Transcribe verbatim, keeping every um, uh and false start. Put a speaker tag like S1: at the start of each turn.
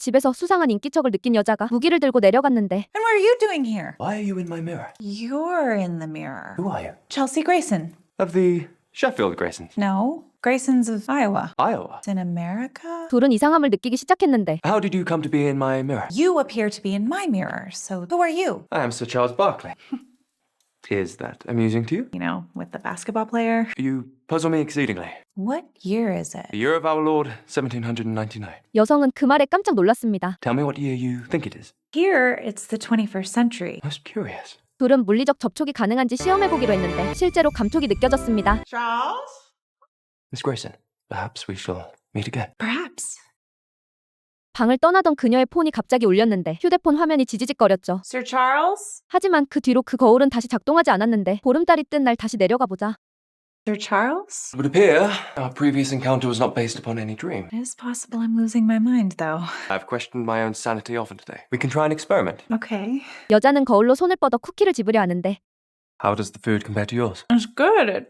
S1: 집에서 수상한 인기척을 느낀 여자가 무기를 들고 내려갔는데
S2: And what are you doing here?
S3: Why are you in my mirror?
S2: You're in the mirror.
S3: Who are you?
S2: Chelsea Grayson.
S3: Of the Sheffield Graysons.
S2: No, Graysons of Iowa.
S3: Iowa.
S2: It's in America?
S1: 둘은 이상함을 느끼기 시작했는데
S3: How did you come to be in my mirror?
S2: You appear to be in my mirror, so who are you?
S3: I am Sir Charles Barkley. Is that amusing to you?
S2: You know, with the basketball player.
S3: You puzzle me exceedingly.
S2: What year is it?
S3: The year of our Lord, seventeen ninety-nine.
S1: 여성은 그 말에 깜짝 놀랐습니다.
S3: Tell me what year you think it is.
S2: Here, it's the twenty-first century.
S3: Most curious.
S1: 둘은 물리적 접촉이 가능한지 시험해보기로 했는데 실제로 감촉이 느껴졌습니다.
S2: Charles?
S3: Miss Grayson, perhaps we shall meet again.
S2: Perhaps.
S1: 방을 떠나던 그녀의 폰이 갑자기 울렸는데 휴대폰 화면이 지지직거렸죠.
S2: Sir Charles?
S1: 하지만 그 뒤로 그 거울은 다시 작동하지 않았는데 보름달이 뜬 날 다시 내려가 보자.
S2: Sir Charles?
S3: It would appear our previous encounter was not based upon any dream.
S2: It is possible I'm losing my mind, though.
S3: I've questioned my own sanity often today. We can try an experiment.
S2: Okay.
S1: 여자는 거울로 손을 뻗어 쿠키를 집으려 하는데
S3: How does the food compare to yours?
S2: It's good.